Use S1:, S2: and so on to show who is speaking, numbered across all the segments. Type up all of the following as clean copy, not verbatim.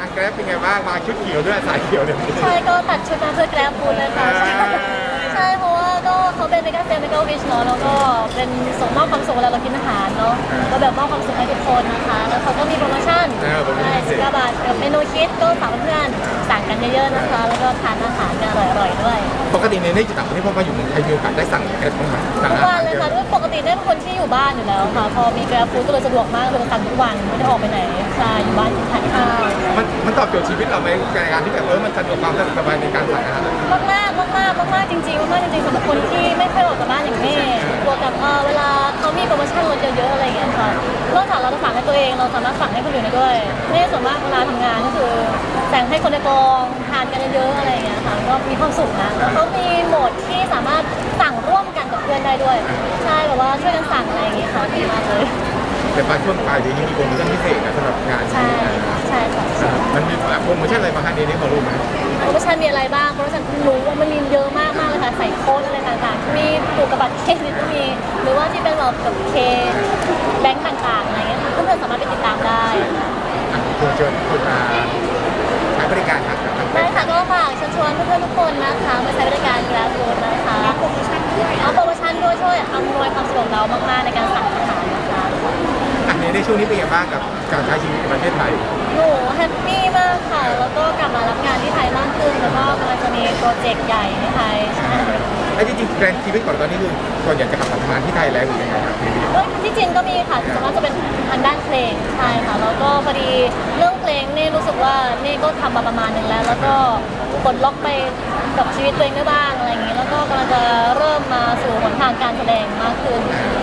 S1: างแกร็บเป็นไงบ้างมาชุดเขียวด้วยสายเขียวเนี่ย
S2: ใช่ก็ตัดชุดมาเพื่อแกร็บฟูดเลยค่ะใช่เพราะว่าก็เขาเป็นเมกาเซลเมกาวิชเนาะแล้วก็เป็นส่งมอบความสุขเวลาเรากินอาหารเนาะก็แบบมอบความสุขให้ทุกคนนะคะแล้วเขาก็มีโปรโมชั่นใช่19 บาทกับเมนูคิดก็ฝากเพื่อนๆสั่งกันเยอะๆนะคะแล้วก็ทานอาหารกันอร่อยๆด้วย
S1: ปกติในนี้จะต่างประเทศพอมาอยู่เมืองไทยมีโอกาสได้สั่งแกร็บบ้างไหมสั่ง
S2: ทุก
S1: อา
S2: วั
S1: หาน ร
S2: เลยค่ะด้วยปกติเนี่ยเป็นคนที่อยู่บ้านอยู่แล้วค่ะพอมีแกร็บฟูดก็เลยสะดวกมากเลยสั่งทุกวันไม่ได้ออกไปไหนใช่อยู่บ้านกินทานข้าว
S1: มันตอบโจทย์ชีวิตเราไหมในการที่แบบมันสะดวกความสบายในการสั่งอาหาร
S2: มากจริงๆมากจริงๆสำหรับคนที่ไม่เคยออกจากบ้านอย่างแม่บวกกับเวลาเขามีโปรโมชั่นลดเยอะๆอะไรอย่างเงี้ยค่ะนอกจากเราจะสั่งให้ตัวเองเราสามารถสั่งให้คนอื่นได้ด้วยแม่ส่วนมากเวลาทำงานก็คือสั่งให้คนในกองทานกันเยอะๆอะไรอย่างเงี้ยค่ะก็มีความสุขนะแล้วเขามีโหมดที่สามารถสั่งร่วมกันกับเพื่อนได้ด้วยใช่แบบว่าช่วยกันสั่งอะไรอย่างเงี้ยค่ะดีมากเลย
S1: แต่ปลายช่วงปลายเดือนนี้มีโปรโมชั่นพิเศษนะสำหรับงาน
S2: ใช่ค่ะ
S1: มันมีโปรโมชั่นอะไรบ้างคะนี้พอรู้ไหม
S2: โปรโมชั่นมีอะไรบ้างโปรโมชั่นรู้ว่ามันมีเยอะมากเลยค่ะใส่โค้ดอะไรต่างๆมีผูกกับบัตรเครดิตก็มีหรือว่าที่เป็นแบบกับเคแบงก์ต่างๆอะไรเงี้ยเพื่อนๆสามารถไปติดตามได้
S1: คุณเชิญคุณมาใช้บริการครับ
S2: ได้ค่ะก็ฝากเชิญชวนเพื่อนๆทุกคนนะคะมาใช้บริการกราฟฟูดนะคะโปรโมชั่นด้วยช่วยอำนวยความสะดวกเรามากๆในการสั่งอาหารนะคะ
S1: ในช่วงนี้เป็นยังไงบ้างกับการใช้ชีวิตในประเทศไทย
S2: หนูแฮปปี้มากค่ะแล้วก็กลับมารับงานที่ไทยมากขึ้นแล้วก็กำลังจะมีโปรเจกต์ใหญ่ในไทยใช่
S1: แล้วจริงๆแบรนด์ชีวิตก่อนตอนนี้คือส่วนใหญ่จะกลับมาทำงานที่ไทยแล้วหรือยังไงครับ
S2: ที่จีนก็มีค่ะส่วนมากจะเป็นทางด้านเพลงใช่ค่ะแล้วก็พอดีเรื่องเพลงนี่รู้สึกว่านี่ก็ทำมาประมาณนึงแล้วก็ปลดล็อกไปกับชีวิตตัวเองได้บ้างอะไรอย่างนี้แล้วก็กำลังจะเริ่มมาสู่หนทางการแสดงมากขึ้น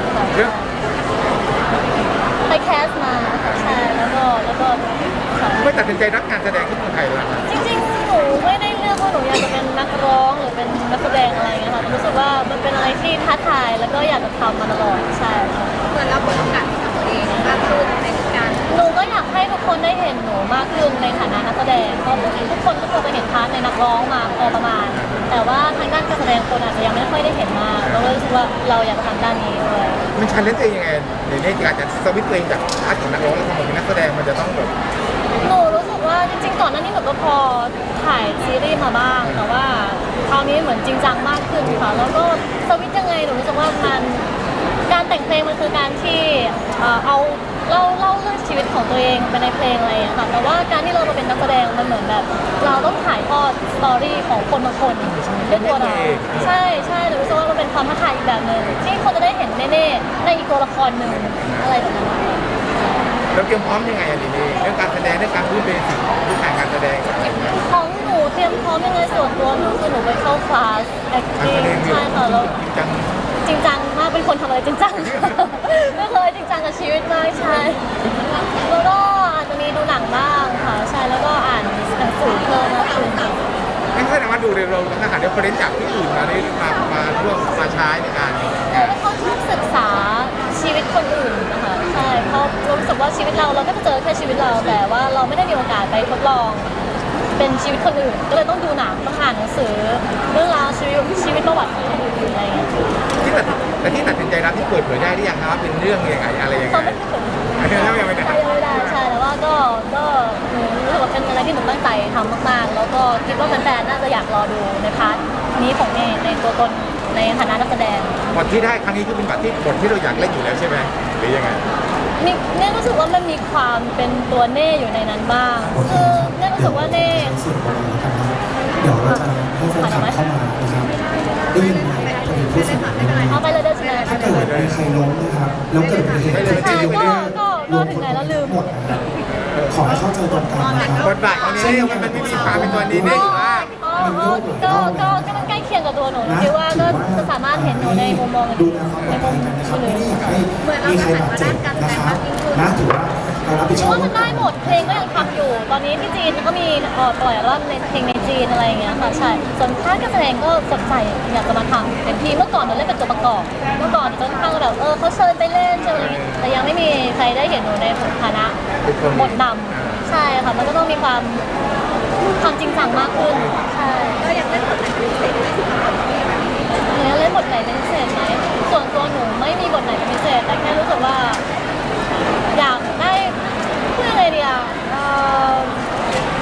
S2: ไปแคสมาใช่แล้วก็
S1: ไม่ตัดสินใจรับงานแสดงที่เมืองไทยแล้ว
S2: จริงๆหนูไม่ได้เลือกว่าหนูอยากจะเป็นนักร้องหรือเป็นนักแสดงอะไรเงี้ยค่ะรู้สึกว่ามันเป็นอะไรที่ท้าทายแล้วก็อยากจะทำมาตลอดใช่
S3: เหมือนเราเปิดโอกาสให้กับตัวเองมากขึ้นในการ
S2: หนูก็อยากให้ทุกคนได้เห็นหนูมากขึ้นในฐานะนักแสดงเพราะทุกคนก็ควรจะเห็นพาร์ทในนักร้องมาพอประมาณแต่ว่าทางด้านการแสดงคนอาจจะยังไม่ค่อยได้เห็นมากเราเลยรู้สึกว่าเราอยากจะทำด้านนี้ด้วย
S1: มันชันเล่นเองยังไงในนี้การจะสวิตช์ตัวเองจากพาร์ทของนักร้องแล้วมาเป็นนักแสดงมันจะต้องแบบ
S2: หนูรู้สึกว่าจริงๆก่อนหน้านี้หนูก็พอถ่ายซีรีส์มาบ้างแต่ว่าคราวนี้เหมือนจริงจังมากขึ้นค่ะแล้วก็สวิตช์ยังไงหนูรู้สึกว่ามันการแต่งเพลงมันคือการที่เอาเล่าเรื่องชีวิตของตัวเองไปในเพลงอะไรอย่างเงี้ยค่ะแต่ว่าการที่เรามาเป็นนักแสดงมันเหมือนแบบเราต้องถ่ายทอดสตอรี่ของคนบางคนด้วยตัวเราใช่หนูรู้สึกว่ามันเป็นความท้าทายอีกแบบหนึ่งที่คนจะได้เห็นแน่ๆในอีกตัวละครหนึ่งอะไรแบบนั้น
S1: เราเตรียมพร้อมยังไงอันนี้เรื่องการแสดงเรื่องการพูดเบสิกพื้นฐานการแสดง
S2: ของหนูเตรียมพร้อมยังไงส่วนตัวหนูคือหนูไปเข้าคลาส acting ใช่ค่ะแล้วจริงจังมากเป็นคนทำอะไรจริงจังไม่เคยจริงจังกับชีวิตมากใช่แล้วก็อาจจะมีดูหนังบ้างค่ะใช่แล้วก็อ่านหนังสือเพิ่มมากขึ้น
S1: ไม่ใช่ว่าดูเร็วๆนะคะเดี๋ยวประเด็นจากที่อื่นมาได้มาร่วมมาใช้ในการ
S2: เขาชอบศึกษาชีวิตคนอื่นนะคะใช่เพราะรู้สึกว่าชีวิตเราก็จะเจอแค่ชีวิตเราแต่ว่าเราไม่ได้มีโอกาสไปทดลองเป็นชีวิตคนอื่นก็เลยต้องดูหนังต้องอ่านหนังสือเรื่องราวชีวิตประวัติของคนอื่นอะไรอย่างเงี้ย
S1: ที่ตัดสินใจรับที่เปิดเผยได้หรือยังครับเป็นเรื่องยังไงอะไรยังไง
S2: ยังไม่ได้ใช่แต่ว่าก็หนูรู้สึกว่าเป็นอะไรที่หนูตั้งใจทำมากๆแล้วก็คิดว่าแฟนๆน่าจะอยากรอดูในพาร์ทนี้ของเน่ในตัวตนในฐานะนักแสดง
S1: บทที่ได้ครั้งนี้คือเป็นบทที่เราอยากเล่นอยู่แล้วใช่ไหมหรือยังไง
S2: เนี่ยรู้สึกว่ามันมีความเป็นตัวเน่อยู่ในนั้นบ้างคือเนี่ยรู้สึกว่าเน่
S4: เดี๋ยวเราจะให้แฟนคลับเข้ามานะครับได้ยินไหมพอดีพูดสักนิดนึง
S2: เอาไปเลยได้ใช่ไหม
S4: ถ้าเกิดมีใครล้มนะครับแล้วเกิดอุบัติเหตุจะอยู่ได้
S2: ก็ถึงไหนแล้วลืม
S4: หมดนะครับขอให้เข้าใจตรงกันนะครับ
S1: บทบาทของนี้มันมีความเป็นตัวนี้ได้อยู่มาก
S2: ก็มันใกล้เคียงกับตัวหนูคิดว่าก็จะสามารถเห็นหนูในมุมมอง
S4: ดูแลความปลอดภัยกันนะครับไม่ได้อยากให้มีใครบาดเจ็บนะครับนะถือว่าเรารับผิดชอบ
S2: ว่ามันได้หมดเพลงก็ยังทำอยู่ตอนนี้ที่จีนก็มีปล่อยรอบในเพลงในจีนอะไรอย่างเงี้ยค่ะใช่ส่วนค่ายการแสดงก็สนใจอยากจะมาทำเป็นทีเมื่อก่อนหนูเล่นเป็นตัวประกอบเมื่อก่อนจะค่อนข้างแบบเขาเชิญไปเล่นเชิญอะไรแต่ยังไม่มีใครได้เห็นหนูในฐานะบทนำใช่ค่ะมันก็ต้องมีความจริงจังมากขึ้นใช่
S3: ก็ยังเล่นบทไหนเป็นพิเศษ
S2: แล้วเล่นบทไหนเป็นพิเศษไหมส่วนตัวหนูไม่มีบทไหนเป็นพิเศษแต่แค่รู้สึกว่าอยากได้พูดยังไงดี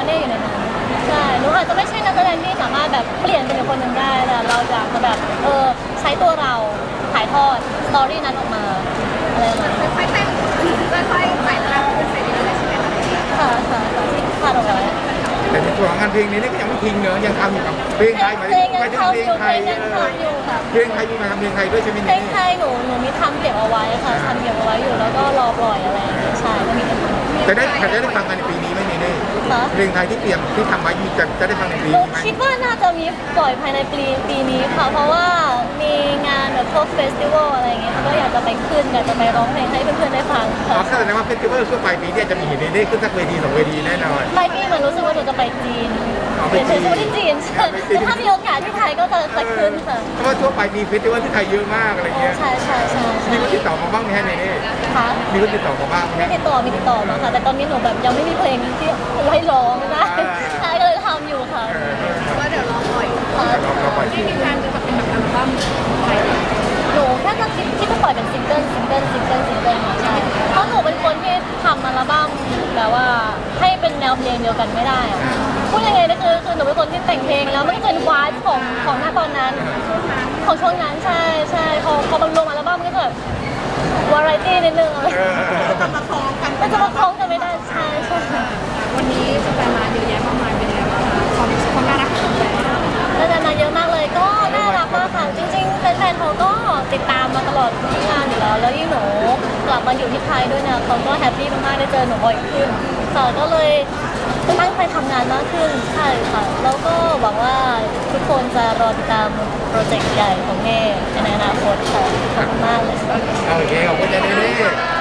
S2: เน่อยู่ในนั้นใช่หนูอาจจะไม่ใช่นักแสดงที่สามารถแบบเปลี่ยนเป็นอีกคนหนึ่งได้แต่เราอยากจะแบบใช้ตัวเราถ่ายทอดสตอรี่นั้นออกมาอะไรประมาณนี้
S3: ค่อยๆแต่งค่อยๆไต่ระดับขึ้นไปเรื่อยๆใช่ไหมคะ
S2: ค่ะที่คาดเอาไว้
S1: แต่ในส่วนของงานเพลงนี้นี่ก็ยังไม่ทิ้งเนอะยังทำอยู่กับเพลงไทยไหม
S2: เพลงยัง
S1: ไม่ได้
S2: ทำ
S1: เพล
S2: อง ยู่
S1: ไท
S2: เพล
S1: ย
S2: งยังทำอยู่ค่ะ
S1: เพลงไทยมีมาทำเพลงไทยด้วยใช่ไหม
S2: เพล
S1: เนี่ย
S2: งไทยหนูมีทำเก็บเอาไว้ค่ะทำเก็บเอาไว้อยู่แล้วก็รอปล่อยอะไรอย่างเงี้ยใช่ก็มีกัน
S1: จะได้ฟังกันในปีนี้ไหมเนี่ย
S2: ค่ะ
S1: เพลงไทยที่เตรียมที่ทำไว้มีจะได้ฟังในปี
S2: หนู
S1: นี้ไหม
S2: คิดว่าน่าจะมีปล่อยภายในปีนี้ค่ะ เพราะว่ามีงานแบบพวกเฟสติวัลอะไรอย่างเงี้ยก็อยากจะไปขึ้นอยากจะไปร้องเพลงให้เพื่อนๆได้ฟัง
S1: อ๋อ
S2: ค่ะ
S1: แสดงว่าเฟสติวัลช่วงปลายปีเนี่ยจะมีเห็นได้ขึ้นสักเวที2 เวทีแน่นอน
S2: ปลายปีเหมือนรู้สึกว่าหนูจะไปจีน
S1: อ๋อไป
S2: เดี๋ยว
S1: จีน
S2: จะที่จีนใช่ถ้ามีโอกาสที่ไทยก็จะขึ้นค่ะ
S1: เพราะว่าช่วงปลายปีเฟสติวัลที่ไทยเยอะมากอะไรเงี้ย
S2: ใช่
S1: มีคนติดต่อมาบ้างไหมฮะในนี้
S2: ค่ะ
S1: มีคนติดต่อมาบ้างไหม
S2: มี
S1: ฮะ
S2: ติดต่อมาค่ะ แต่ตอนนี้หนูแบบยังไม่มีเพลงที่ไว้ร้องนะใช่ก็เลยทำอยู่ค่ะ
S3: ว่าเดี๋ยวรอปล่อย
S1: เราปล่อย
S3: ที่มีการจะเป็นแบบอัลบั้มไทย
S2: หนูแค่จะคิดจะปล่อยเป็นซิงเกิลค่ะใช่เพราะหนูเป็นคนที่ทำอัลบั้มแบบว่าให้เป็นแนวเพลงเดียวกันไม่ได้อะพูดยังไงนะคือหนูเป็นคนที่แต่งเพลงแล้วไม่เกินวายของหน้าตอนนั้นของช่วงนั้นใช่พอมันลงอัลบั้มมันก็จะแบบวาไรตี้นิดนึงอะไร
S3: จะมาคล้องกัน
S2: มันจะมาคล้องกันไม่ได้ใช่
S3: วันนี้แฟนมาเยอะแยะมากมายเป็นไงบ้างคะความน่ารักของแฟน
S2: แล้วแต่มาเยอะมากเลยก็น่ารักมากค่ะจริงๆแฟนๆเขาก็ติดตามมาตลอดทุกงานอยู่แล้วยิ่งหนูกลับมาอยู่ที่ไทยด้วยเนี่ยเขาก็แฮปปี้มากๆได้เจอหนูบ่อยขึ้นค่ะก็เลยตั้งใจทำงานมากขึ้นใช่ค่ะแล้วก็หวังว่าทุกคนจะรอติดตามโปรเจกต์ใหญ่ของเมย์ในอนาคตค่ะขอบคุณมากเลย
S1: โอเคขอบคุณเจเน่